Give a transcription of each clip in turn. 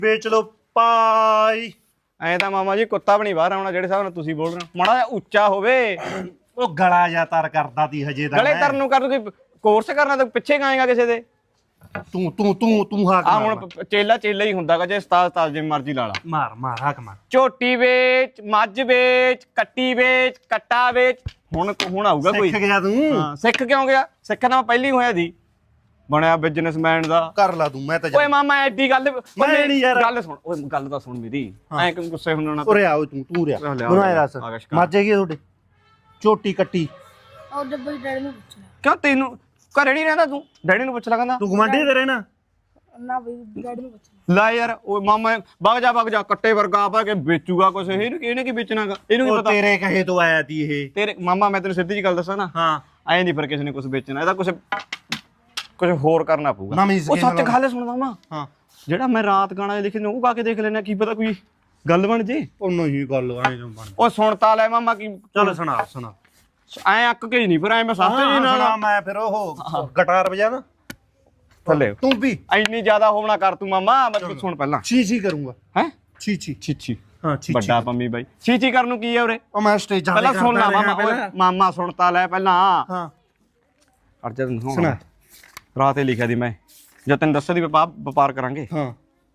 ਵੇਚ ਲੋ ਪਾਈ। ਐ ਤਾਂ ਮਾਮਾ ਜੀ ਕੁੱਤਾ ਵੀ ਨਹੀਂ ਬਾਹਰ ਆਉਣਾ ਜਿਹੜੇ ਹਿਸਾਬ ਨਾਲ ਤੁਸੀਂ ਬੋਲ ਰਹੇ ਹੋ। ਮਾੜਾ ਜਿਹਾ ਉੱਚਾ ਹੋਵੇ। ਉਹ ਗਲਾ ਜਾਂ ਤਰ ਕਰਦਾ ਤੀ ਹਜੇ ਦਾ ਗਲੇ ਤਰਨ ਨੂੰ ਕਰ ਕੋਈ ਕੋਰਸ ਕਰਨਾ ਤੇ ਪਿੱਛੇ ਗਾਏਗਾ ਕਿਸੇ ਦੇ। ਤੂੰ ਹਾਕ ਆ ਮਾਰ। ਹੁਣ ਚੇਲਾ ਚੇਲਾ ਹੀ ਹੁੰਦਾਗਾ ਜੇ ਉਸਤਾਦ ਜਿਵੇਂ ਮਰਜ਼ੀ ਲਾ ਲਾ। ਮਾਰ ਹਾਕ ਮਾਰ। ਝੋਟੀ ਵੇਚ, ਮੱਝ ਵੇਚ, ਕੱਟੀ ਵੇਚ, ਕੱਟਾ ਵੇਚ। ਹੁਣ ਆਊਗਾ ਕੋਈ। ਸਿੱਖ ਗਿਆ ਤੂੰ। ਹਾਂ ਸਿੱਖ ਕਿਉਂ ਗਿਆ? ਸਿੱਖ ਤਾਂ ਪਹਿਲੀ ਹੋਇਆ ਦੀ ਬਣਿਆ ਬਿਜ਼ਨਸਮੈਨ ਦਾ। ਕਰ ਲਾ ਤੂੰ। ਮੈਂ ਤਾਂ ਓਏ ਮਾਮਾ ਐਡੀ ਗੱਲ ਮੈਂ ਨੀ ਯਾਰ। ਗੱਲ ਸੁਣ। ਓਏ ਗੱਲ ਤਾਂ ਸੁਣ ਮੇਰੀ। ਐ ਕਿਉਂ ਗੁੱਸੇ ਹੁੰਨਾ? ਉਰੇ ਆ ਤੂੰ ਰਿਆ ਮੈਨੂੰ ਐ ਦੱਸ ਮੱਝ ਹੈਗੀ ਤੁਹਾਡੇ? ਝੋਟੀ ਕੱਟੀ ਉਹ ਡੱਬੇ ਡੈਡੀ ਨੂੰ ਪੁੱਛਣਾ। ਕਿਉਂ ਤੈਨੂੰ ਘਰੇ ਨਹੀਂ ਰਹਿੰਦਾ ਤੂੰ? ਡੈਡੀ ਨੂੰ ਪੁੱਛ ਲਾ ਕਹਿੰਦਾ। ਤੂੰ ਗਵਾਂਢੀ ਤੇ ਰਹਿਣਾ? ਨਾ ਬਈ ਡੈਡੀ ਨੂੰ ਪੁੱਛਣਾ। ਲੈ ਯਾਰ ਓਏ ਮਾਮਾ ਵਗ ਜਾ ਕੱਟੇ ਵਰਗਾ ਆਪਾ ਕੇ ਵੇਚੂਗਾ ਕੁਛ। ਇਹਨੇ ਕੀ ਵੇਚਣਾਗਾ? ਇਹਨੂੰ ਕੀ ਉਹ ਪਤਾ ਤੇਰੇ ਕਹੇ ਤੋਂ ਆਇਆ ਤੀ ਇਹ। ਤੇਰੇ ਮਾਮਾ ਮੈਂ ਤੈਨੂੰ ਸਿੱਧੀ ਜੀ ਗੱਲ ਦੱਸਾਂ ਨਾ। ਹਾਂ ਐ ਨਹੀਂ ਫਿਰ ਕਿਸੇ ਨੇ ਕੁਛ ਵੇਚਣਾ। ਇਹਦਾ ਕੁਛ ਹੋਰ ਕਰਨਾ ਪਊਗਾ। ਨਵੀਂ ਉਹ ਸਕੀਮ ਸੱਚ ਗੱਲ ਸੁਣ ਮਾਮਾ। ਹਾਂ ਜਿਹੜਾ ਮੈਂ ਰਾਤ ਗਾਣਾ ਲਿਖੇ ਨੇ ਉਹ ਗਾ ਕੇ ਦੇਖ ਲੈਣਾ। ਕੀ ਪਤਾ ਕੋਈ ਗੱਲ ਬਣ ਜੇ। ਉਹ ਨਹੀਂ ਗੱਲ ਆਏ ਬਣ। ਉਹ ਸੁਣ ਤਾਂ ਲੈ ਮਾਮਾ ਕੀ ਚੱਲ ਸੁਣਾ ਐ ਅੱਕ ਕੇ ਨਹੀਂ ਫਿਰ ਐ ਮੈਂ ਸਸਤੇ ਜੀ ਨਾਲ ਮੈਂ ਫਿਰ ਉਹ ਗਿਟਾਰ ਵਜਾ ਨਾ ਥੱਲੇ ਤੂੰ ਵੀ ਇੰਨੀ ਜ਼ਿਆਦਾ ਹੋਣਾ ਕਰ ਤੂੰ ਮਾਮਾ। ਮੈਂ ਸੁਣ ਪਹਿਲਾਂ ਛੀ ਕਰੂੰਗਾ। ਹੈ ਛੀ ਹਾਂ ਛੀ ਵੱਡਾ ਪੰਮੀ ਬਾਈ ਛੀ ਕਰਨ ਨੂੰ ਕੀ ਹੈ ਉਰੇ? ਉਹ ਮੈਂ ਸਟੇਜਾਂ ਪਹਿਲਾਂ ਸੁਣ ਲਾ ਮਾਮਾ। ਮਾਮਾ ਸੁਣਤਾ ਲੈ ਪਹਿਲਾਂ। ਹਾਂ ਅਰਜਾ ਤੈਨੂੰ ਸੁਣਾ। ਰਾਤ ਹੀ ਲਿਖਿਆ ਦੀ ਮੈਂ ਜਦ ਤੈਨੂੰ ਦੱਸਿਆ ਦੀ ਵਪਾਰ ਕਰਾਂਗੇ। ਹਾਂ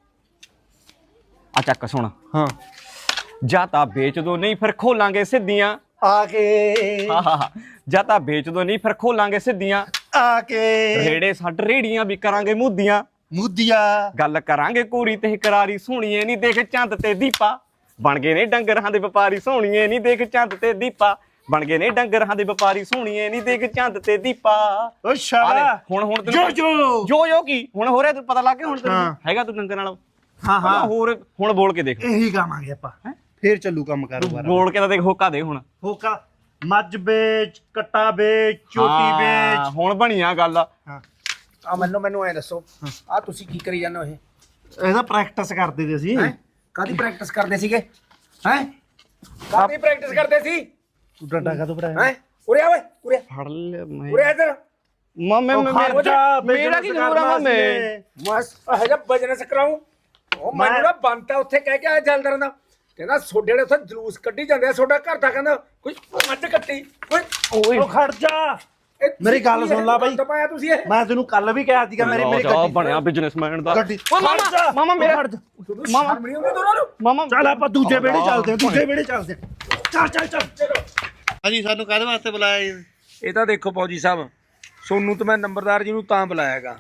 ਆ ਚੱਕ ਸੁਣ। ਹਾਂ ਜਾਂ ਤਾਂ ਵੇਚ ਦੋ ਨਹੀਂ ਫਿਰ ਖੋਲਾਂਗੇ ਸਿੱਧੀਆਂ। ਆ ਕੇ ਜਾਂ ਤਾਂ ਵੇਚ ਦੋ ਨਹੀਂ ਫਿਰ ਖੋਲਾਂਗੇ ਸਿੱਧੀਆਂ। ਆ ਕੇ ਰੇੜੇ ਛੱਡ ਰੇੜੀਆਂ ਵੀ ਕਰਾਂਗੇ ਮੁੱਦੀਆਂ। ਮੁੱਦੀਆ ਗੱਲ ਕਰਾਂਗੇ ਕੋਰੀ ਤੇ ਕਰਾਰੀ। ਸੋਹਣੀਏ ਨਹੀਂ ਦੇਖ ਚੰਦ ਤੇ ਦੀਪਾ। ਬਣ ਗਏ ਨੇ ਡੰਗਰਾਂ ਦੇ ਵਪਾਰੀ। ਸੋਹਣੀਏ ਨਹੀਂ ਦੇਖ ਚੰਦ ਤੇ ਦੀਪਾ। ਬਣ ਗਏ ਨੇ ਡੰਗਰਾਂ ਦੇ ਵਪਾਰੀ। ਸੋਹਣੀਏ ਨਹੀਂ ਦੇਖ ਚੰਦ ਤੇ ਦੀਪਾ। ਓ ਸ਼ਾਲਾ ਹੁਣ ਜੋ ਕੀ ਹੁਣ ਹੋ ਰਿਹਾ ਤੈਨੂੰ ਪਤਾ ਲੱਗ ਗਿਆ ਹੁਣ ਤੈਨੂੰ ਹੈਗਾ ਤੂੰ ਡੰਗਰ ਨਾਲ। ਹਾਂ ਹੋਰ ਹੁਣ ਬੋਲ ਕੇ ਦੇਖ। ਇਹੀ ਗਾਵਾਂਗੇ ਆਪਾਂ ਫੇਰ ਚੱਲੂ ਕੰਮ ਕਾਰੋਬਾਰ। ਬੋਲ ਕੇ ਤਾਂ ਦੇਖ ਹੋਕਾ ਦੇ ਹੁਣ। ਹੋਕਾ ਮੱਝ ਵੇਚ ਕੱਟਾ ਵੇਚ ਝੋਟੀ ਵੇਚ। ਹੁਣ ਬਣੀਆਂ ਗੱਲ। ਹਾਂ ਆ ਮੈਨੂੰ ਐ ਦੱਸੋ ਆ ਤੁਸੀਂ ਕੀ ਕਰੀ ਜਾਂਦੇ ਹੋ? ਇਹ ਇਹਦਾ ਪ੍ਰੈਕਟਿਸ ਕਰਦੇ ਤੇ ਅਸੀਂ। ਕਾਦੀ ਪ੍ਰੈਕਟਿਸ ਕਰਦੇ ਸੀਗੇ? ਹੈ ਕਾਦੀ ਪ੍ਰੈਕਟਿਸ ਕਰਦੇ ਸੀ? ਤੂੰ ਡੰਡਾ ਕਾ ਤੋਂ ਪੜਾਇਆ? ਹੈ ਉਰੇ ਆ ਓਏ ਉਰੇ ਫੜ ਲੈ ਮੈਂ ਉਰੇ ਇੱਧਰ। ਮੇਰਾ ਕੀ ਜ਼ਰੂਰ ਆ ਮਾਮੇ? ਮਸ ਇਹ ਜਿਹਾ ਬਿਜ਼ਨਸ ਕਰਾਉਂ। ਉਹ ਮੈਨੂੰ ਨਾ ਬੰਤਾ ਉੱਥੇ ਕਹਿ ਕੇ ਆਇਆ ਜਲਦਰ ਦਾ। ਕਹਿੰਦਾ ਸੋਡੇ ਵਾਲੇ ਉੱਥੇ ਜਲੂਸ ਕੱਢੀ ਜਾਂਦੇ ਆ। ਸੋਡਾ ਘਰ ਦਾ ਕਹਿੰਦਾ ਕੋਈ ਮੱਝ ਕੱਟੀ ਕੋਈ। ਉਹ ਖੜ ਜਾ ਮੇਰੀ ਗੱਲ ਸੁਣ ਲਾ ਬਾਈ। ਦਬਾਇਆ ਤੁਸੀਂ ਇਹ। ਮੈਂ ਤੈਨੂੰ ਕੱਲ ਵੀ ਕਿਹਾ ਸੀਗਾ ਮੇਰੀ ਗੱਡੀ ਬਣਿਆ ਬਿਜ਼ਨਸਮੈਨ ਦਾ। ਗੱਡੀ ਓ ਮਾਮਾ ਮੇਰਾ ਮਾਮਾ ਸ਼ਰਮ ਨਹੀਂ ਆਉਂਦੀ ਦੋਨਾਂ ਨੂੰ? ਮਾਮਾ ਚੱਲ ਆਪਾਂ ਦੂਜੇ ਵਿਹੜੇ ਚੱਲਦੇ ਹਾਂ। ਦੂਜੇ ਵਿਹੜੇ ਚੱਲਦੇ ਹਾਂ। ਚੱਲ ਹਾਂਜੀ ਸਾਨੂੰ ਕਾਹਦੇ ਵਾਸਤੇ ਬੁਲਾਇਆ ਜੀ? ਇਹ ਤਾਂ ਦੇਖੋ ਫੌਜੀ ਸਾਹਿਬ ਸੋਨੂੰ ਤਾਂ ਮੈਂ ਨੰਬਰਦਾਰ ਜੀ ਨੂੰ ਤਾਂ ਬੁਲਾਇਆਗਾ।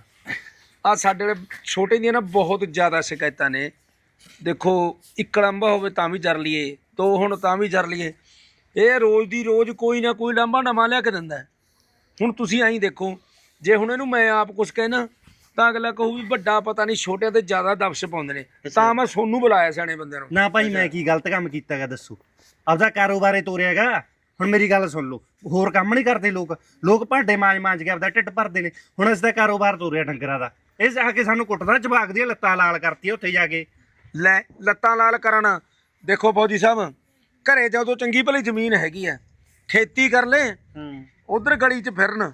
ਆ ਸਾਡੇ ਵਾਲੇ ਛੋਟੇ ਦੀਆਂ ਨਾ ਬਹੁਤ ਜ਼ਿਆਦਾ ਸ਼ਿਕਾਇਤਾਂ ਨੇ। ਦੇਖੋ ਇੱਕ ਲਾਂਭਾ ਹੋਵੇ ਤਾਂ ਵੀ ਜਰ ਲਈਏ, ਦੋ ਹੁਣ ਤਾਂ ਵੀ ਜਰ ਲਈਏ। ਇਹ ਰੋਜ਼ ਦੀ ਰੋਜ਼ ਕੋਈ ਨਾ ਕੋਈ ਲਾਂਭਾ ਨਵਾਂ ਲਿਆ ਕੇ ਦਿੰਦਾ। ਹੁਣ ਤੁਸੀਂ ਐਂ ਦੇਖੋ ਜੇ ਹੁਣ ਇਹਨੂੰ ਮੈਂ ਆਪ ਕੁਛ ਕਹਿਣਾ ਤਾਂ ਅਗਲਾ ਕਹੂ ਵੀ ਵੱਡਾ ਪਤਾ ਨਹੀਂ ਛੋਟਿਆਂ ਤੇ ਜ਼ਿਆਦਾ ਦਬਸ਼ ਪਾਉਂਦੇ ਨੇ। ਤਾਂ ਮੈਂ ਸੋਨੂੰ ਬੁਲਾਇਆ ਸਿਆਣੇ ਬੰਦੇ ਨੂੰ। ਨਾ ਭਾਈ ਮੈਂ ਕੀ ਗਲਤ ਕੰਮ ਕੀਤਾਗਾ ਦੱਸੋ? ਆਪਦਾ ਕਾਰੋਬਾਰੇ ਤੋਰਿਆਗਾ। ਹੁਣ ਮੇਰੀ ਗੱਲ ਸੁਣ ਲਓ ਹੋਰ ਕੰਮ ਨਹੀਂ ਕਰਦੇ ਲੋਕ ਭਾਂਡੇ ਮਾਂਜ ਕੇ ਆਪਦਾ ਢਿੱਡ ਭਰਦੇ ਨੇ। ਹੁਣ ਇਸ ਦਾ ਕਾਰੋਬਾਰ ਤੋਰਿਆ ਡੰਗਰਾਂ ਦਾ। ਇਹ ਜਾ ਕੇ ਸਾਨੂੰ ਕੁੱਟਦਾ ਜਵਾਕ ਦੀਆਂ ਲੱਤਾਂ ਲਾਲ ਕਰਤੀ ਉੱਥੇ ਜਾ ਕੇ। ਲੈ ਲੱਤਾਂ ਲਾਲ ਕਰਨ। ਦੇਖੋ ਫੌਜੀ ਸਾਹਿਬ ਘਰੇ ਜਦੋਂ ਚੰਗੀ ਭਲੀ ਜ਼ਮੀਨ ਹੈਗੀ ਆ ਖੇਤੀ ਕਰ ਲੈ। ਉਧਰ ਗਲੀ 'ਚ ਫਿਰਨ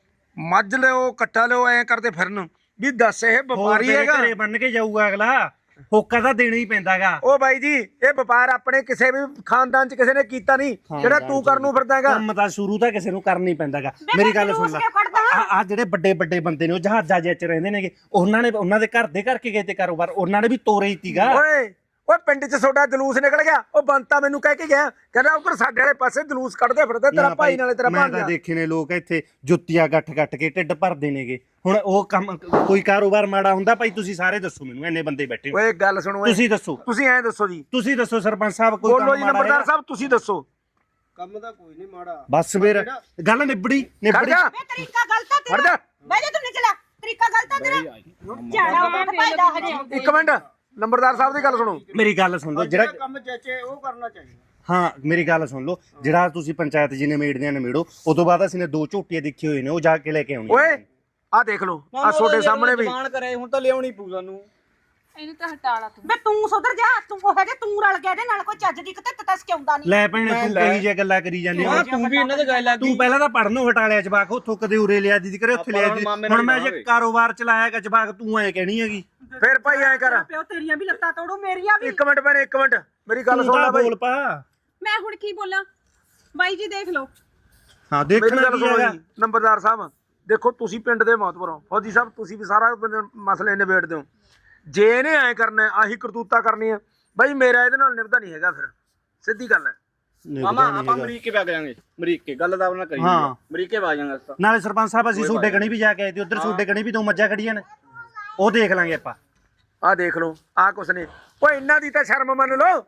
ਮੱਝ ਲਿਓ ਕੱਟਾ ਲਿਓ ਐਂ ਕਰਦੇ ਫਿਰਨ ਵੀ ਦੱਸ ਇਹ ਵਪਾਰੀ ਹੈਗਾ। ਘਰੇ ਬੰਨ ਕੇ ਜਾਊਗਾ ਅਗਲਾ। ਹੋਕਾ ਤਾਂ ਦੇਣਾ ਹੀ ਪੈਂਦਾਗਾ। ਉਹ ਬਾਈ ਜੀ ਇਹ ਵਪਾਰ ਆਪਣੇ ਕਿਸੇ ਵੀ ਖਾਨਦਾਨ 'ਚ ਕਿਸੇ ਨੇ ਕੀਤਾ ਨਹੀਂ ਜਿਹੜਾ ਤੂੰ ਕਰਨ ਨੂੰ ਫਿਰਦਾ ਹੈਗਾ। ਕੰਮ ਤਾਂ ਸ਼ੁਰੂ ਤਾਂ ਕਿਸੇ ਨੂੰ ਕਰਨਾ ਹੀ ਪੈਂਦਾਗਾ। ਮੇਰੀ ਗੱਲ ਸੁਣ ਲੈ ਆ ਜਿਹੜੇ ਵੱਡੇ ਬੰਦੇ ਨੇ ਉਹ ਜਹਾਜ਼ਾਂ ਜਿਹੇ 'ਚ ਰਹਿੰਦੇ ਨੇਗੇ। ਉਹਨਾਂ ਦੇ ਘਰ ਦੇ ਕਰਕੇ ਗਏ ਤੇ ਕਾਰੋਬਾਰ ਉਹਨਾਂ ਨੇ ਵੀ ਤੋਰੇ ਹੀ ਤੀਗਾ। ਓਏ ਪਿੰਡ 'ਚ ਤੁਹਾਡਾ ਜਲੂਸ ਨਿਕਲ ਗਿਆ। ਉਹ ਬੰਤਾ ਮੈਨੂੰ ਕਹਿ ਕੇ ਗਿਆ ਕਹਿੰਦਾ ਉਧਰ ਸਾਡੇ ਵਾਲੇ ਪਾਸੇ ਜਲੂਸ ਕੱਢਦੇ ਫਿਰਦੇ ਤੇਰਾ ਭਾਈ ਨਾਲੇ ਤੇਰਾ ਮੈਂ ਤਾਂ ਦੇਖੇ ਨੇ ਲੋਕ ਇੱਥੇ ਜੁੱਤੀਆਂ ਗੱਠ ਕੇ ਢਿੱਡ ਭਰਦੇ ਨੇਗੇ। ਹੁਣ ਉਹ ਕੰਮ ਕੋਈ ਕਾਰੋਬਾਰ ਮਾੜਾ ਹੁੰਦਾ ਭਾਈ? ਤੁਸੀਂ ਸਾਰੇ ਦੱਸੋ ਮੈਨੂੰ ਇੰਨੇ ਬੰਦੇ ਬੈਠੇ। ਓਏ ਗੱਲ ਸੁਣੋ ਤੁਸੀਂ ਦੱਸੋ। ਤੁਸੀਂ ਐਂ ਦੱਸੋ ਜੀ। ਤੁਸੀਂ ਦੱਸੋ ਸਰਪੰਚ ਸਾਹਿਬ ਕੋਈ ਬੋਲੋ ਜੀ ਨੰਬਰਦਾਰ ਸਾਹਿਬ ਤੁਸੀਂ ਦੱਸੋ। ਕੰਮ ਦਾ ਕੋਈ ਨਹੀਂ ਮਾੜਾ। ਬਸ ਫਿਰ ਗੱਲ ਨਿਬੜੀ। ਤਰੀਕਾ ਗਲਤ ਆ ਤੇਰਾ। ਬਹਿ ਜਾ ਤੂੰ ਨਿਕਲਾ। ਤਰੀਕਾ ਗਲਤ ਆ ਤੇਰਾ। ਝਾੜਾ ਉੱਠ ਭਾਈਦਾ ਹਜੇ। ਇੱਕ ਮਿੰਟ ਨੰਬਰਦਾਰ ਸਾਹਿਬ ਦੀ ਗੱਲ ਸੁਣੋ। ਮੇਰੀ ਗੱਲ ਸੁਣ ਲਓ ਜਿਹੜਾ ਕੰਮ ਜੱਚੇ ਉਹ ਕਰਨਾ ਚਾਹੀਦਾ। ਹਾਂ ਮੇਰੀ ਗੱਲ ਸੁਣ ਲਓ ਜਿਹੜਾ ਤੁਸੀਂ ਪੰਚਾਇਤ ਜੀ ਨੇ ਮੇੜਦਿਆਂ ਨੇ ਮੇੜੋ ਉਹ ਤੋਂ ਬਾਅਦ ਅਸੀਂ ਨੇ 2 ਝੋਟੀਆਂ ਦੇਖੀ ਹੋਏ ਨੇ ਉਹ ਜਾ ਕੇ ਲੈ ਕੇ ਆਉਣੀ। ਓਏ ਆ ਦੇਖ ਲਓ ਆ ਤੁਹਾਡੇ ਸਾਹਮਣੇ ਵੀ ਜ਼ਬਾਨ ਕਰੇ ਹੁਣ ਤਾਂ ਲਿਆਉਣੀ ਪਊ ਸਾਨੂੰ। ਇਹਨੂੰ ਤਾਂ ਹਟਾ ਲਾ ਤੂੰ। ਬੇ ਤੂੰ ਸੁਧਰ ਜਾ, ਤੂੰ ਉਹ ਹੈਗੇ ਤੂੰ ਰਲ ਗਿਆ ਇਹਦੇ ਨਾਲ, ਕੋਈ ਚੱਜ ਦੀ ਕਿਤੇ ਤਸ ਕਿਉਂਦਾ ਨਹੀਂ। ਲੈ ਭੈਣੇ ਤੂੰ ਕਹੀ ਜੇ ਗੱਲਾਂ ਕਰੀ ਜਾਂਦੀ ਹਾਂ ਤੂੰ ਵੀ ਇਹਨਾਂ ਦੇ ਗੱਲ ਲੱਗ ਤੂੰ ਪਹਿਲਾਂ ਤਾਂ ਪੜਨੋਂ ਹਟਾ ਲਿਆ ਜਵਾਕ, ਉੱਥੋਂ ਕਦੇ ਉਰੇ ਲਿਆ ਦੀਦੀ ਕਰੇ ਉੱਥੇ ਲਿਆ ਦੀਦੀ। ਹੁਣ ਮੈਂ ਜੇ ਕਾਰੋਬਾਰ ਚਲਾਇਆਗਾ ਜਵਾਕ ਤੂੰ ਐ ਕਹਿਣੀ ਹੈਗੀ। ਫਿਰ ਭਾਈ ਐ ਕਰ, ਪਿਓ ਤੇਰੀਆਂ ਵੀ ਲੱਤਾਂ ਤੋੜੂ, ਮੇਰੀਆਂ ਵੀ। ਇੱਕ ਮਿੰਟ ਭੈਣੇ, ਇੱਕ ਮਿੰਟ ਮੇਰੀ ਗੱਲ ਤੂੰ ਸੁਣ ਲੈ ਤਾਂ ਬਾਈ। ਬੋਲ ਪਾ। ਮੈਂ ਹੁਣ ਕੀ ਬੋਲਾਂ ਬਾਈ ਜੀ, ਦੇਖ ਲਓ। ਹਾਂ ਮੇਰੀ ਦੇਖਣਾ ਗੱਲ ਕੀ ਸੁਣੋ ਹੈਗਾ। ਜੀ ਨੰਬਰਦਾਰ ਸਾਹਿਬ, ਦੇਖੋ ਤੁਸੀਂ ਪਿੰਡ ਦੇ ਮੌਤਬਰ ਹੋ, ਫੌਜੀ ਸਾਹਿਬ ਤੁਸੀਂ ਵੀ ਸਾਰਾ ਮਸਲੇ ਨਿਬੇੜਦੇ ਹੋ। ਜੇ ਇਹਨੇ ਐ ਕਰਨਾ, ਆਹੀ ਕਰਤੂਤਾ ਕਰਨੀ ਆ ਬਾਈ, ਮੇਰਾ ਇਹਦੇ ਨਾਲ ਨਿਭਦਾ ਨਹੀਂ ਹੈਗਾ। ਫਿਰ ਸਿੱਧੀ ਗੱਲ ਹੈ। ਮਾਮਾ ਆਪਾਂ ਅਮਰੀਕੇ ਵਗ ਜਾਾਂਗੇ, ਅਮਰੀਕੇ ਗੱਲ ਦਾ ਉਹਨਾਂ ਕਰੀ ਹਾਂ। ਅਮਰੀਕੇ ਵਗ ਜਾਾਂਗੇ ਅਸਾਂ। ਨਾਲੇ ਸਰਪੰਚ ਸਾਹਿਬ ਅਸੀਂ ਸੋਡੇ ਕਣੀ ਵੀ ਜਾ ਕੇ ਆਏ ਤੇ ਉਧਰ ਸੋਡੇ ਕਣੀ ਵੀ ਦੋ ਮੱਝਾਂ ਖੜੀਆਂ ਨੇ, ਉਹ ਦੇਖ ਲਾਂਗੇ ਆਪਾਂ। ਆਹ ਦੇਖ ਲਓ, ਆਹ ਕੁਛ ਨੇ। ਓਏ ਇਹਨਾਂ ਦੀ ਤਾਂ ਸ਼ਰਮ ਮੰਨ ਲਓ।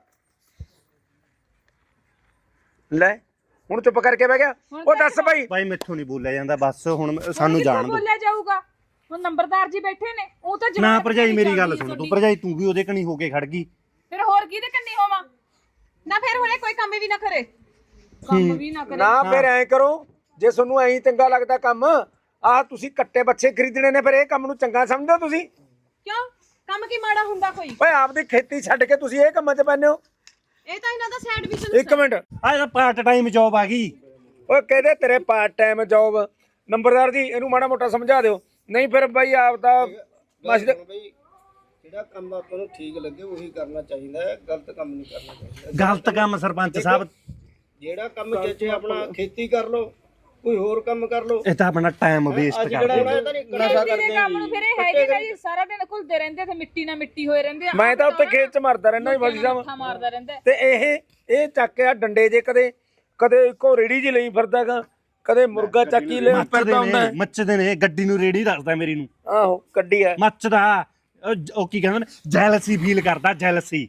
ਲੈ ਹੁਣ ਚੁੱਪ ਕਰਕੇ ਬਹਿ ਗਿਆ। ਉਹ ਦੱਸ ਬਾਈ। ਭਾਈ ਮੈਥੋਂ ਨਹੀਂ ਬੋਲਿਆ ਜਾਂਦਾ, ਬਸ ਹੁਣ ਸਾਨੂੰ ਜਾਣ ਦਿਓ। ਬੋਲਿਆ ਜਾਊਗਾ ਹੁਣ, ਨੰਬਰਦਾਰ ਜੀ ਬੈਠੇ ਨੇ, ਉਹ ਤਾਂ ਨਾ ਜਵਾਬ ਭਰਜਾਈ ਮੇਰੀ ਗੱਲ ਦੇਣੀ ਸੁਣ, ਤੂੰ ਤੁਹਾਡੀ। ਭਰਜਾਈ ਤੂੰ ਵੀ ਉਹਦੇ ਕਣੀ ਹੋ ਕੇ ਖੜ ਗਈ। ਫਿਰ ਹੋਰ ਕਿਹਦੇ ਕੰਨੀ ਹੋਵਾਂ ਨਾ, ਫਿਰ ਹੁਣੇ ਕੋਈ ਕੰਮ ਵੀ ਨਾ ਕਰੇ, ਕੰਮ ਵੀ ਨਾ ਕਰੇ। ਨਾ ਫਿਰ ਐਂ ਕਰੋ, ਜੇ ਤੁਹਾਨੂੰ ਐਂ ਚੰਗਾ ਲੱਗਦਾ ਕੰਮ, ਆਹ ਤੁਸੀਂ ਕੱਟੇ ਬੱਚੇ ਖਰੀਦਣੇ ਨੇ, ਫਿਰ ਇਹ ਕੰਮ ਨੂੰ ਚੰਗਾ ਸਮਝਦੇ ਹੋ ਤੁਸੀਂ? ਕਿਉਂ ਕੰਮ ਕੀ ਮਾੜਾ ਹੁੰਦਾ ਕੋਈ? ਓਏ ਆਪਦੀ ਖੇਤੀ ਛੱਡ ਕੇ ਤੁਸੀਂ ਇਹ ਕੰਮਾਂ 'ਚ ਪੈਂਦੇ ਹੋ? ਇਹ ਤਾਂ ਇਹਨਾਂ ਦਾ ਸਾਈਡ ਬਿਜ਼ਨਸ। ਇੱਕ ਮਿੰਟ, ਆਹ ਇਹਦਾ ਪਾਰਟ ਟਾਈਮ ਜੌਬ ਆ ਗਈ। ਓਏ ਕਹਿੰਦੇ ਤੇਰੇ ਪਾਰਟ ਟਾਈਮ ਜੌਬ। ਨੰਬਰਦਾਰ ਜੀ ਇਹਨੂੰ ਮਾੜਾ ਮੋਟਾ ਸਮਝਾ ਦਿਓ, ਨਹੀਂ ਫਿਰ ਬਾਈ ਆਪਦਾ ਮਸਜਿਦ। ਬਈ ਜਿਹੜਾ ਕੰਮ ਆਪਾਂ ਨੂੰ ਠੀਕ ਲੱਗੇ ਉਹੀ ਕਰਨਾ ਚਾਹੀਦਾ ਹੈ, ਗਲਤ ਕੰਮ ਨਹੀਂ ਕਰਨਾ ਚਾਹੀਦਾ। ਗਲਤ ਕੰਮ ਸਰਪੰਚ ਸਾਹਿਬ, ਜਿਹੜਾ ਕੰਮ ਚਾਚੇ ਆਪਣਾ ਖੇਤੀ ਕਰ ਲਓ, ਕੋਈ ਹੋਰ ਕੰਮ ਕਰ ਲਓ। ਇਹ ਤਾਂ ਆਪਣਾ ਟਾਈਮ ਵੇਸਟ ਅੱਜ ਕਰਦੇ ਜਿਹੜਾ ਨੇ। ਇਹ ਤਾਂ ਨਹੀਂ ਨਸ਼ਾ ਖੇਤੀ ਕਰਦੇ ਦੇ ਕੰਮ ਨੂੰ ਫਿਰ ਇਹ ਹੈਗੇ ਨਾ ਜੀ, ਸਾਰਾ ਦਿਨ ਘੁਲਦੇ ਰਹਿੰਦੇ ਤੇ ਮਿੱਟੀ ਨਾਲ ਮਿੱਟੀ ਹੋਏ ਰਹਿੰਦੇ ਆ। ਮੈਂ ਤਾਂ ਉੱਤੇ ਖੇਤ 'ਚ ਮਰਦਾ ਰਹਿੰਦਾ ਜੀ ਫੌਜੀ ਸਾਹਿਬ। ਮੱਥਾ ਮਾਰਦਾ ਰਹਿੰਦਾ। ਤੇ ਇਹ ਚੱਕ ਕੇ ਆ ਡੰਡੇ ਜੇ, ਕਦੇ ਇੱਕੋ ਰੇੜੀ ਜੀ ਲਈ ਫਿਰਦਾਗਾ, ਕਦੇ ਮੁਰਗਾ ਚੱਕੀ ਲੈ ਫਿਰਦਾ ਹੁੰਦਾ। ਮੱਚਦੇ ਨੇ, ਗੱਡੀ ਨੂੰ ਰੇੜੀ ਰੱਖਦਾ ਮੇਰੀ ਨੂੰ। ਆਹੋ ਕੱਢੀ ਆ ਮੱਚਦਾ ਉਹ ਕੀ ਕਹਿੰਦੇ ਨੇ, ਜੈਲਸੀ ਫੀਲ ਕਰਦਾ, ਜੈਲਸੀ।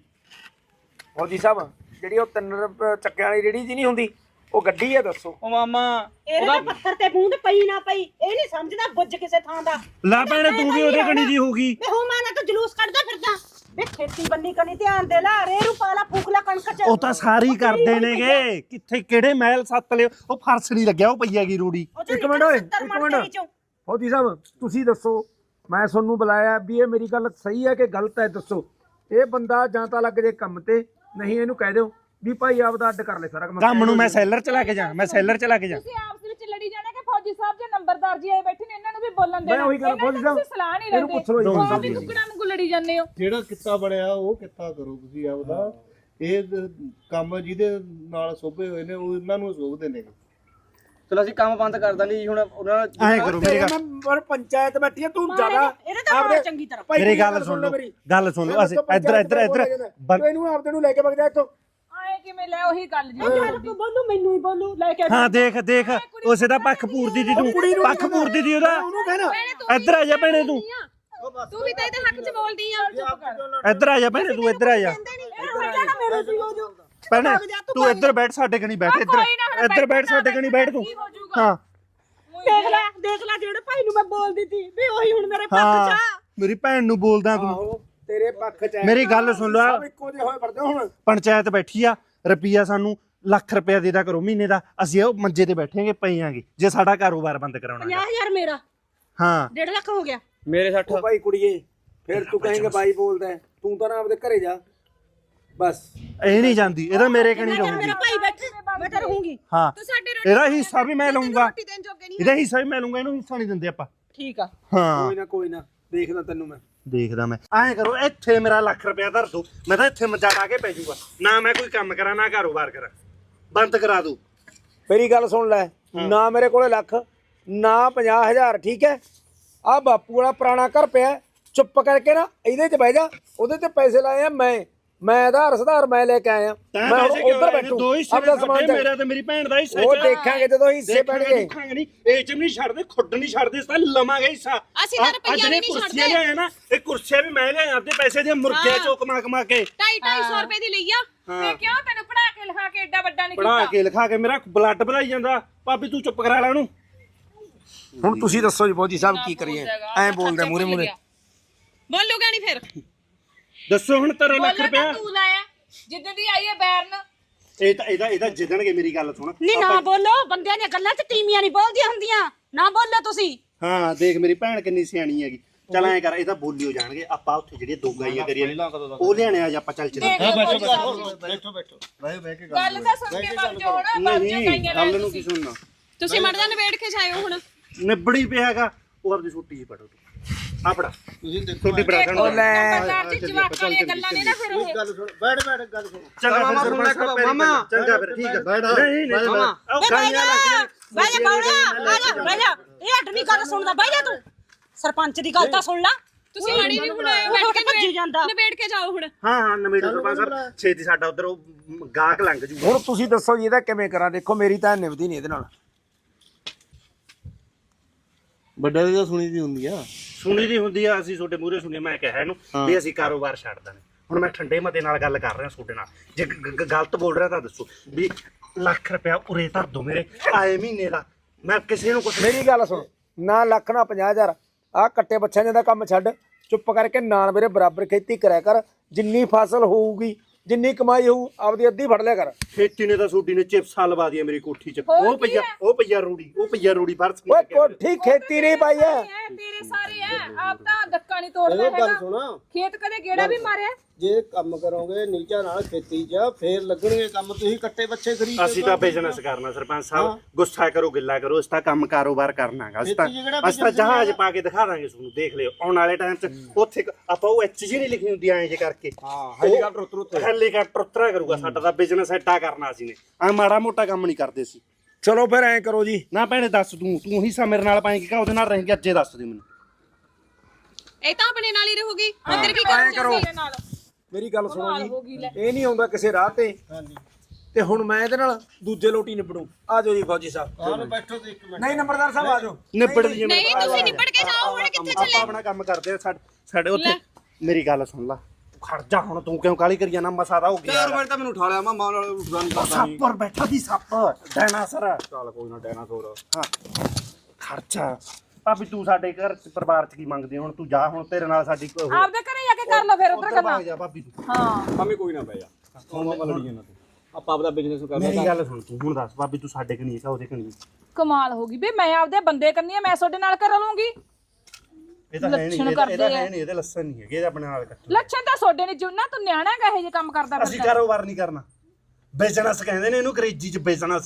ਫੌਜੀ ਸਾਹਿਬ ਜਿਹੜੀ ਉਹ 3 ਚੱਕਿਆਂ ਵਾਲੀ ਰੇੜੀ ਜੀ ਨਹੀਂ ਹੁੰਦੀ, ਉਹ ਗੱਡੀ ਆ, ਦੱਸੋ। ਉਹ ਮਾਮਾ ਇਹਦੇ ਤਾਂ ਪੱਥਰ ਤੇ ਬੂੰਦ ਪਈ ਨਾ ਪਈ, ਇਹ ਨਹੀਂ ਸਮਝਦਾ ਬੁੱਝ ਕਿਸੇ ਥਾਂ ਦਾ। ਲਾ ਭੈਣੇ ਤੂੰ ਵੀ ਉਹਦੇ ਕਣੀ ਦੀ ਹੋਗੀ। ਵੇ ਹੋ ਮਾਨਾ ਤਾਂ ਜਲੂਸ ਕੱਢਦਾ ਫਿਰਦਾ। ਵੇ ਖੇਤੀ ਬੰਨੀ ਕਣੀ ਧਿਆਨ ਦੇ ਲਾ, ਰੇਰੂ ਪਾਲਾ ਫੂਕ ਲਾ ਕਣਕ ਚ। ਉਹ ਤਾਂ ਸਾਰੀ ਕਰਦੇ ਨੇਗੇ, ਕਿੱਥੇ ਕਿਹੜੇ ਮਹਿਲ ਸੱਤ ਲਿਓ, ਉਹ ਫਰਸ਼ ਨਹੀਂ ਲੱਗਿਆ, ਉਹ ਪਈ ਹੈਗੀ ਰੂੜੀ। ਇੱਕ ਮਿੰਟ ਓਏ, ਇੱਕ ਮਿੰਟ ਫੌਜੀ ਸਾਹਿਬ ਤੁਸੀਂ ਦੱਸੋ, ਮੈਂ ਤੁਹਾਨੂੰ ਬੁਲਾਇਆ ਵੀ ਇਹ ਮੇਰੀ ਗੱਲ ਸਹੀ ਹੈ ਕਿ ਗਲਤ ਹੈ, ਦੱਸੋ। ਇਹ ਬੰਦਾ ਜਾਂ ਤਾਂ ਲੱਗ ਜੇ ਕੰਮ ਤੇ, ਨਹੀਂ ਇਹਨੂੰ ਕਹਿ ਦਿਓ ਵੀ ਭਾਈ ਆਪਦਾ ਅੱਡ ਕਰ ਲੈ ਸਾਰਾ ਕੰਮ ਨੂੰ ਮੈਂ ਸੈਲਰ ਚ ਲਾ ਕੇ ਜਾ, ਮੈਂ ਸੈਲਰ ਚ ਲਾ ਕੇ ਜਾ। ਤੁਸੀਂ ਆਪਸ ਵਿੱਚ ਲੜੀ ਜਾਣਾ ਕਿ ਫੌਜੀ ਸਾਹਿਬ ਜੇ ਨੰਬਰਦਾਰ ਜੀ ਆਏ ਬੈਠੇ ਨੇ, ਇਹਨਾਂ ਨੂੰ ਵੀ ਬੋਲਣ ਦੇਣਾ। ਮੈਂ ਉਹੀ ਗੱਲ ਫੌਜੀ ਸਾਹਿਬ, ਤੁਸੀਂ ਸਲਾਹ ਨਹੀਂ ਇਹਨੂੰ ਲੈਂਦੇ, ਪੁੱਛ ਲਓ ਜੀ। ਉਹ ਵੀ ਟੁਕੜਾ ਵਾਂਗੂ ਲੜੀ ਜਾਂਦੇ ਹੋ। ਜਿਹੜਾ ਕਿੱਤਾ ਬਣਿਆ ਉਹ ਕਿੱਤਾ ਕਰੋ ਤੁਸੀਂ ਆਪਦਾ। ਇਹ ਕੰਮ ਜਿਹਦੇ ਨਾਲ ਸੋਭੇ ਹੋਏ ਨੇ ਉਹ ਇਹਨਾਂ ਨੂੰ ਸੋਭਦੇ ਨੇ। ਚਲੋ ਅਸੀਂ ਕੰਮ ਬੰਦ ਕਰ ਦਾਂਗੇ ਜੀ ਹੁਣ। ਉਹਨਾਂ ਐਂ ਕਰੋ ਮੇਰੀ ਗੱਲ, ਪਰ ਪੰਚਾਇਤ ਬੈਠੀ ਹੈ, ਤੂੰ ਜ਼ਿਆਦਾ ਇਹਦੇ ਤਾਂ ਮਾਰ ਚੰਗੀ ਤਰ੍ਹਾਂ। ਮੇਰੀ ਗੱਲ ਸੁਣ ਲਓ, ਗੱਲ ਸੁਣ ਲਓ। ਅਸੀਂ ਇੱਧਰ ਇਹਨੂੰ ਆਪਦੇ ਨੂੰ ਲੈ ਕੇ ਵਗ ਜਾ ਇੱਥੋਂ। ਆਏ ਕਿਵੇਂ ਲੈ ਉਹੀ ਗੱਲ ਜੀ। ਤੂੰ ਬੋਲੂ ਮੈਨੂੰ ਹੀ ਬੋਲੂ ਲੈ ਕੇ। ਹਾਂ ਦੇਖ ਉਸੇ ਦਾ ਪੱਖ ਪੂਰਦੀ ਦੀ ਤੂੰ, ਪੱਖ ਪੂਰਦੀ ਦੀ ਉਹਦਾ। ਉਹਨੂੰ ਕਹਿਣਾ ਇੱਧਰ ਆ ਜਾ ਭੈਣੇ ਤੂੰ, ਤੂੰ ਵੀ ਤਾਂ ਇਹਦੇ ਹੱਕ 'ਚ ਬੋਲਦੀ ਆ। ਇੱਧਰ ਆ ਜਾ ਭੈਣੇ ਤੂੰ, ਇੱਧਰ ਆ ਜਾ ਭੈਣੇ ਤੂੰ ਇੱਧਰ ਬੈਠ, ਸਾਡੇ ਕਣੀ ਬੈਠ, ਇੱਧਰ ਬੈਠ, ਸਾਡੇ ਕਣੀ ਬੈਠ ਤੂੰ। ਹਾਂ ਦੇਖ ਲੈ ਜਿਹੜੇ ਭਾਈ ਨੂੰ ਮੈਂ ਬੋਲਦੀ ਸੀ ਵੀ ਉਹੀ ਹੁਣ ਮੇਰੇ ਪੱਖ ਹਾਂ ਚ ਆ। ਮੇਰੀ ਭੈਣ ਨੂੰ ਬੋਲਦਾ ਤੂੰ। ਆਹੋ ਤੇਰੇ ਪੱਖ 'ਚ ਹੈ। ਮੇਰੀ ਗੱਲ ਸੁਣ ਲਓ, ਸਭ ਇੱਕੋ ਜਿਹੇ ਹੋਏ ਫਿਰਦੇ ਹੁਣ। ਪੰਚਾਇਤ ਬੈਠੀ ਆ, ਰੁਪਈਆ ਸਾਨੂੰ ਲੱਖ ਰੁਪਇਆ ਦੇ ਦਾ ਕਰੋ ਮਹੀਨੇ ਦਾ, ਅਸੀਂ ਉਹ ਮੰਜੇ ਤੇ ਬੈਠਾਂਗੇ ਪਈਆਂਗੇ ਜੇ ਸਾਡਾ ਕਾਰੋਬਾਰ ਬੰਦ ਕਰਾਉਣਾ। 50,000 ਮੇਰਾ ਹਾਂ 1.5 ਲੱਖ ਹੋ ਗਿਆ। ਮੇਰੇ 60। ਉਹ ਭਾਈ ਕੁੜੀਏ ਫਿਰ ਤੂੰ ਕਹੇਂਗੇ ਬਾਈ ਬੋਲਦਾ ਹੈ, ਤੂੰ ਤਾਂ ਨਾ ਆਪਦੇ ਘਰੇ ਜਾ ਬਸ। ਇਹ ਨਹੀਂ ਜਾਂਦੀ, ਇਹਦਾ ਮੇਰੇ ਕਣੀ ਮੇਰਾ ਰਹੂਗੀ। ਭਾਈ ਬੈਠੇ ਮੈਂ ਤਾਂ ਰਹੂੰਗੀ। ਹਾਂ ਤੂੰ ਸਾਡੇ ਰੋਟੀ ਇਹਦਾ ਹਿੱਸਾ ਵੀ ਮੈਂ ਲਊਂਗਾ, ਰੋਟੀ ਦੇਣ ਜੋਗੇ ਨਹੀਂ। ਇਹਦਾ ਹਿੱਸਾ ਵੀ ਮੈਂ ਲਊਂਗਾ, ਇਹਨੂੰ ਹਿੱਸਾ ਨਹੀਂ ਦਿੰਦੇ ਆਪਾਂ। ਠੀਕ ਆ। ਹਾਂ ਕੋਈ ਨਾ ਦੇਖਦਾ ਤੈਨੂੰ ਮੈਂ। ਦੇਖਦਾ ਮੈਂ। ਐਂ ਕਰੋ ਇੱਥੇ ਮੇਰਾ ਲੱਖ ਰੁਪਇਆ ਧਰ ਦੋ, ਮੈਂ ਤਾਂ ਇੱਥੇ ਮੱਜਾ ਡਾ ਕੇ ਪੈ ਜਾਊਗਾ, ਨਾ ਮੈਂ ਕੋਈ ਕੰਮ ਕਰਾਂ ਨਾ ਕਾਰੋਬਾਰ ਕਰਾਂ, ਬੰਦ ਕਰਾ ਦੋ। ਮੇਰੀ ਗੱਲ ਸੁਣ ਲੈ, ਨਾ ਮੇਰੇ ਕੋਲੇ ਲੱਖ ਨਾ 50,000, ਠੀਕ ਹੈ। ਆ ਬਾਪੂ ਵਾਲਾ ਪੁਰਾਣਾ ਘਰ ਪਿਆ, ਚੁੱਪ ਕਰਕੇ ਨਾ ਇਹਦੇ 'ਚ ਬਹਿ ਜਾ। ਉਹਦੇ ਤੇ ਪੈਸੇ ਲਾਏ ਆ ਮੈਂ ਆਧਾਰ ਸੁਧਾਰ ਮੈਂ ਲੈ ਕੇ ਆਇਆ। ਮੈਂ ਉੱਧਰ ਬੈਠੂ ਆਪਣਾ ਸਮਾਨ ਚੱਕ। ਮੇਰਾ ਤੇ ਮੇਰੀ ਭੈਣ ਦਾ ਹਿੱਸਾ ਉਹ ਦੇਖਾਂਗੇ ਜਦੋਂ ਹਿੱਸੇ ਪੈਣਗੇ। ਨਹੀਂ ਇਹ ਚ ਨਹੀਂ ਛੱਡਦੇ, ਖੁੱਡ ਨਹੀਂ ਛੱਡਦੇ, ਇਸ ਤਾਂ ਲਵਾਂਗੇ ਹਿੱਸਾ। ਅਸੀਂ ਤਾਂ ਰੁਪਈਆ ਵੀ ਨਹੀਂ ਕੁਰਸੀਆਂ ਲਿਆਏ ਨਾ, ਇਹ ਕੁਰਸੀਆਂ ਵੀ ਮੈਂ ਲਿਆਇਆ ਆਪਦੇ ਪੈਸੇ ਦੀਆਂ, ਮੁਰਗੇ ਚੋਂ ਕਮਾ ਕੇ 250 ਰੁਪਏ ਦੀ ਲਈ ਆ। ਤੇ ਕਿਉਂ ਤੈਨੂੰ ਪੜਾ ਕੇ ਲਿਖਾ ਕੇ ਏਡਾ ਵੱਡਾ ਨਹੀਂ ਕੀਤਾ? ਪੜਾ ਕੇ ਲਿਖਾ ਕੇ ਮੇਰਾ ਬਲੱਡ ਭਰਾਈ ਜਾਂਦਾ। ਭਾਬੀ ਤੂੰ ਚੁੱਪ ਕਰਾ ਲੈ ਉਹਨੂੰ। ਹੁਣ ਤੁਸੀਂ ਦੱਸੋ ਜੀ ਫੌਜੀ ਸਾਹਿਬ ਕੀ ਕਰੀਏ? ਐਂ ਬੋਲਦਾ ਮੂਰੇ ਬੋਲੂਗਾ ਨਹੀਂ ਫਿਰ। ਦੱਸੋ ਹੁਣ ਤੇਰਾ ਲੱਖ ਰੁਪਇਆ ਤੂੰ ਲਾਇਆ ਜਿੱਦਾਂ ਦੀ ਆਈ ਹੈ ਬੈਰਨ। ਇਹਦਾ ਜਿੱਦਣਗੇ। ਮੇਰੀ ਗੱਲ ਸੁਣ। ਨਹੀਂ ਨਾ ਬੋਲੋ, ਬੰਦਿਆਂ ਦੀਆਂ ਗੱਲਾਂ 'ਚ ਤੀਮੀਆਂ ਨਹੀਂ ਬੋਲਦੀਆਂ ਹੁੰਦੀਆਂ। ਨਾ ਬੋਲੋ ਤੁਸੀਂ। ਹਾਂ ਦੇਖ ਮੇਰੀ ਭੈਣ ਕਿੰਨੀ ਸਿਆਣੀ ਹੈਗੀ, ਚੱਲ ਐਂ ਕਰ ਇਹ ਤਾਂ ਬੋਲੀ ਹੋ ਜਾਣਗੇ ਆਪਾਂ ਉੱਥੇ ਜਿਹੜੀਆਂ ਦੋ ਗਾਈਆਂ ਕਰੀਆਂ ਨੇ ਉਹ ਲਿਆਣੇ ਆ ਆਪਾਂ ਚੱਲ ਚੱਲੇ ਬੈਠੋ ਬਹਿ ਕੇ ਗੱਲ ਤਾਂ ਸੁਣ ਕੇ ਵਗ ਜਾਓ ਨਾ ਵਗ ਜਾਓ ਕਾਈਆਂ ਲੈ ਗੱਲ ਨੂੰ ਕੀ ਸੁਣਨਾ ਤੁਸੀਂ ਮੜ ਜਾ ਨਵੇੜ ਕੇ ਜਾਇਓ ਹੁਣ ਨਿਬੜੀ ਪਿਆਗਾ ਉਹ ਆਪਦੀ ਛੁੱਟੀ ਜੀ ਪੜੋ ਆ ਫੜਾ ਤੁਸੀਂ ਦੇਖੋ ਛੁੱਟੀ ਪੜਾ ਦੇਖੋ ਨੰਬਰਦਾਰ ਜੀ ਜਵਾਕਾਂ ਵਾਲੀਆਂ ਗੱਲਾਂ ਨੇ ਨਾ ਫਿਰ ਉਹ ਗੱਲ ਸੁਣ ਬੈਠ ਗੱਲ ਸੁਣ ਚੰਗਾ ਫਿਰ ਸਰਪੰਚ ਸਾਹਿਬ ਮਾਮਾ ਚੰਗਾ ਫਿਰ ਠੀਕ ਹੈ ਬੈਠ ਨਹੀਂ ਨਹੀਂ ਉਹ ਗਾਈਆਂ ਲੱਗੀਆਂ ਬਹਿ ਜਾ ਬਹਿ ਜਾ ਇਹ ਹੱਟ ਨਹੀਂ ਗੱਲ ਸੁਣਦਾ ਬਹਿ ਜਾ ਤੂੰ ਸਰਪੰਚ ਦੀ ਗੱਲ ਤਾਂ ਸੁਣ ਲੈ ਤੁਸੀਂ ਮਾੜੀ ਨਹੀਂ ਬਣਾਇਓ ਬੈਠ ਬੈਠ ਕੇ ਭੱਜੀ ਜਾਂਦਾ ਨਵੇੜ ਕੇ ਜਾਓ ਹੁਣ ਹਾਂ ਨਵੇੜੋ ਸਰਪੰਚ ਸਾਹਿਬ ਛੇਤੀ ਸਾਡਾ ਉਧਰ ਉਹ ਗਾਹਕ ਲੰਘ ਜੂਗਾ ਹੁਣ ਤੁਸੀਂ ਦੱਸੋ ਜੀ ਇਹਦਾ ਕਿਵੇਂ ਕਰਾਂ ਦੇਖੋ ਮੇਰੀ ਤਾਂ ਨਿਭਦੀ ਨਹੀਂ ਇਹਦੇ ਨਾਲ ਵੱਡੇ ਦੀ ਤਾਂ ਸੁਣੀ ਦੀ ਹੁੰਦੀ ਆ ਸੁਣੀ ਦੀ ਹੁੰਦੀ ਆ ਅਸੀਂ ਤੁਹਾਡੇ ਮੂਹਰੇ ਸੁਣੀ ਮੈਂ ਕਿਹਾ ਇਹਨੂੰ ਵੀ ਅਸੀਂ ਕਾਰੋਬਾਰ ਛੱਡ ਦੇਣਾ ਹੁਣ ਮੈਂ ਠੰਡੇ ਮਤੇ ਨਾਲ ਗੱਲ ਕਰ ਰਿਹਾ ਤੁਹਾਡੇ ਨਾਲ ਜੇ ਗਲਤ ਬੋਲ ਰਿਹਾ ਤਾਂ ਦੱਸੋ ਵੀ ਲੱਖ ਰੁਪਇਆ ਉਰੇ ਧਰ ਦੋ ਮੇਰੇ ਆਏ ਮਹੀਨੇ ਦਾ ਮੈਂ ਕਿਸੇ ਨੂੰ ਕੁਛ ਮੇਰੀ ਗੱਲ ਸੁਣ ਨਾ ਲੱਖ ਨਾ 50,000 ਆਹ ਕੱਟੇ ਬੱਚਿਆਂ ਦਾ ਕੰਮ ਛੱਡ ਚੁੱਪ ਕਰਕੇ ਨਾਲ ਮੇਰੇ ਬਰਾਬਰ ਖੇਤੀ ਕਰਿਆ ਕਰ ਜਿੰਨੀ ਫਸਲ ਹੋਊਗੀ ਜਿੰਨੀ ਕਮਾਈ ਹੋਊ ਆਪਦੀ ਅੱਧੀ ਫੜ ਲਿਆ ਕਰ ਖੇਤੀ ਨੇ ਤਾਂ ਛੋਟੀ ਨੇ ਚਿਪਸਾਂ ਲਵਾ ਦੀਆਂ ਮੇਰੀ ਕੋਠੀ 'ਚ ਉਹ ਪਈਆ ਰੂੜੀ ਫਰਸ ਓਏ ਕੋਠੀ ਖੇਤੀ ਨਹੀਂ ਪਾਈ ਐ ਤੇਰੇ ਸਾਰੇ ਐ ਆਪ ਤਾਂ ਧੱਕਾ ਨਹੀਂ ਤੋੜਦਾ ਹੈਗਾ ਸੁਣਾ ਖੇਤ ਕਦੇ ਗੇੜਾ ਵੀ ਮਾਰਿਆ ਜੇ ਕੰਮ ਕਰੋਗੇ ਨੀਚਾ ਨਾਲ ਖੇਤੀ 'ਚ ਫੇਰ ਲੱਗਣਗੇ ਕੰਮ ਤੁਸੀਂ ਕੱਟੇ ਬੱਚੇ ਖਰੀਦ ਅਸੀਂ ਤਾਂ ਬਿਜ਼ਨਸ ਕਰਨਾ ਸਰਪੰਚ ਸਾਹਿਬ ਗੁੱਸਾ ਕਰੋ ਗਿੱਲਾ ਕਰੋ ਅਸੀਂ ਤਾਂ ਕੰਮ ਕਾਰੋਬਾਰ ਕਰਨਾਗਾ ਅਸੀਂ ਤਾਂ ਜਹਾਜ਼ ਪਾ ਕੇ ਦਿਖਾ ਦਾਂਗੇ ਤੁਹਾਨੂੰ ਦੇਖ ਲਿਓ ਆਉਣ ਵਾਲੇ ਟਾਈਮ 'ਚ ਉੱਥੇ ਆਪਾਂ ਉਹ ਐਚ ਜੀ ਨਹੀਂ ਲਿਖੀ ਹੁੰਦੀ ਐਂ ਜੇ ਕਰਕੇ ਹੈਲੀਕਾਪਟਰ ਉਤਰਾ ਕਰੂਗਾ ਸਾਡਾ ਤਾਂ ਬਿਜ਼ਨਸ ਐਡਾ ਕਰਨਾ ਅਸੀਂ ਨੇ ਆ ਮਾੜਾ ਮੋਟਾ ਕੰਮ ਨਹੀਂ ਕਰਦੇ ਸੀ ਚਲੋ ਫਿਰ ਐਂ ਕਰੋ ਜੀ ਨਾ ਭੈਣੇ ਦੱਸ ਤੂੰ ਹਿੱਸਾ ਮੇਰੇ ਨਾਲ ਪਾਏਂਗੀ ਕਿ ਉਹਦੇ ਨਾਲ ਰਹੇਂਗੀ ਅੱਜੇ ਦੱਸ ਦੇ ਮੈਨੂੰ ਇਹ ਤਾਂ ਆਪਣੇ ਨਾਲ ਹੀ ਰਹੂਗੀ ਅੰਦਰ ਕੀ ਕਰੂੰ ਮੇਰੇ ਨਾਲ ਮੇਰੀ ਗੱਲ ਸੁਣੋ ਜੀ ਇਹ ਨਹੀਂ ਆਉਂਦਾ ਕਿਸੇ ਰਾਹ ਤੇ ਤੇ ਹੁਣ ਮੈਂ ਇਹਦੇ ਨਾਲ ਦੂਜੇ ਲੋਟੀ ਨਿਬੜੂ ਆ ਜਾਓ ਜੀ ਫੌਜੀ ਸਾਹਿਬ ਆਹ ਬੈਠੋ ਤੇ ਇੱਕ ਮਿੰਟ ਨਹੀਂ ਨੰਬਰਦਾਰ ਸਾਹਿਬ ਆ ਜਾਓ ਨਿਬੜ ਦੀ ਨਹੀਂ ਤੁਸੀਂ ਨਿਬੜ ਕੇ ਜਾਓ ਹੁਣ ਕਿੱਥੇ ਚੱਲੇ ਆਪਾਂ ਆਪਣਾ ਕੰਮ ਕਰਦੇ ਆ ਸਾਡੇ ਉੱਥੇ ਮੇਰੀ ਗੱਲ ਸੁਣ ਲਾ ਖੜ ਜਾ ਹੁਣ ਤੂੰ ਕਿਉਂ ਕਾਲੀ ਕਰੀ ਜਾਣਾ ਮਸਾ ਦਾ ਹੋ ਗਿਆ ਯਾਰ ਮੈਂ ਤਾਂ ਮੈਨੂੰ ਉਠਾ ਲਿਆ ਮਾਂ ਨਾਲ ਉੱਠਦਾ ਨਹੀਂ ਕਰਦਾ ਨਹੀਂ ਸੱਪਰ ਬੈਠਾ ਦੀ ਸੱਪ ਡਾਇਨਾਸੌਰ ਚੱਲ ਕੋਈ ਨਾ ਡਾਇਨਾਸੌਰ ਹਾਂ ਖਰਚਾ ਭਾਬੀ ਤੂੰ ਸਾਡੇ ਘਰ ਚ ਪਰਿਵਾਰ ਚ ਕੀ ਮੰਗਦੀ ਹੁਣ ਤੂੰ ਜਾ ਹੁਣ ਤੇਰੇ ਨਾਲ ਸਾਡੀ ਆਪਦੇ ਘਰੇ ਜਾ ਕੇ ਕਰ ਲਓ ਫਿਰ ਉਧਰ ਕਰਨਾ ਜਾ ਭਾਬੀ ਤੂੰ ਹਾਂ ਮੰਮੀ ਕੋਈ ਨਾ ਬਹਿ ਜਾ ਹੋਮਾ ਲੜੀ ਜਾਂਦਾ ਤੂੰ ਆਪਾਂ ਆਪਦਾ ਬਿਜ਼ਨਸ ਕਰਨਾ ਮੇਰੀ ਗੱਲ ਸੁਣ ਤੂੰ ਹੁਣ ਦੱਸ ਭਾਬੀ ਤੂੰ ਸਾਡੇ ਕਨੀ ਹੈ ਉਹਦੇ ਕਨੀ ਕਮਾਲ ਹੋ ਗਈ ਬੇ ਮੈਂ ਆਪਦੇ ਬੰਦੇ ਕਰਨੀ ਆ ਮੈਂ ਤੁਹਾਡੇ ਨਾਲ ਕਰ ਲੂੰਗੀ ਇਹ ਤਾਂ ਹੈ ਨਹੀਂ ਇਹਦਾ ਹੈ ਨਹੀਂ ਇਹਦੇ ਲੱਸਣ ਨਹੀਂ ਹੈਗੇ ਇਹਦੇ ਆਪਣੇ ਨਾਲ ਕੱਟ ਲੱਛਣ ਤਾਂ ਤੁਹਾਡੇ ਨੇ ਜੁਨਾ ਤੂੰ ਨਿਆਣਾ ਗਾ ਇਹ ਜੇ ਕੰਮ ਕਰਦਾ ਅਸੀਂ ਕਾਰੋਬਾਰ ਨਹੀਂ ਕਰਨਾ ਬਿਜ਼ਨਸ ਕਹਿੰਦੇ ਨੇ ਇਹਨੂੰ ਅੰਗਰੇਜ਼ੀ ਚ ਬਿਜ਼ਨਸ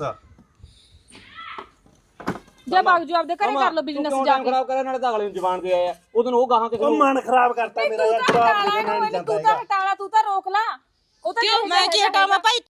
ਜੇ ਬਾਗ ਜੋ ਆਪਦੇ ਘਰੇ ਕਰ ਲਓ ਬਿਜ਼ਨਸ ਜਾ ਕੇ ਖਰਾਬ ਕਰਿਆ ਨਾਲੇ ਤਾਂ ਅਗਲੇ ਨੂੰ ਜ਼ਬਾਨ ਦੇ ਆਇਆ ਉਦੋਂ ਉਹ ਗਾਹਾਂ ਕਿਸੇ ਉਹ ਮਨ ਖਰਾਬ ਕਰਤਾ ਮੇਰਾ ਯਾਰ ਜਵਾਬ ਦੇ ਦੇਣਾ ਨਹੀਂ ਜਾਂਦਾ ਤੂੰ ਤਾਂ ਹਟਾਲਾ ਤੂੰ ਤਾਂ ਰੋਕ ਲਾ ਉਹ ਤਾਂ ਮੈਂ ਕੀ ਹਟਾਵਾਂ ਭਾਈ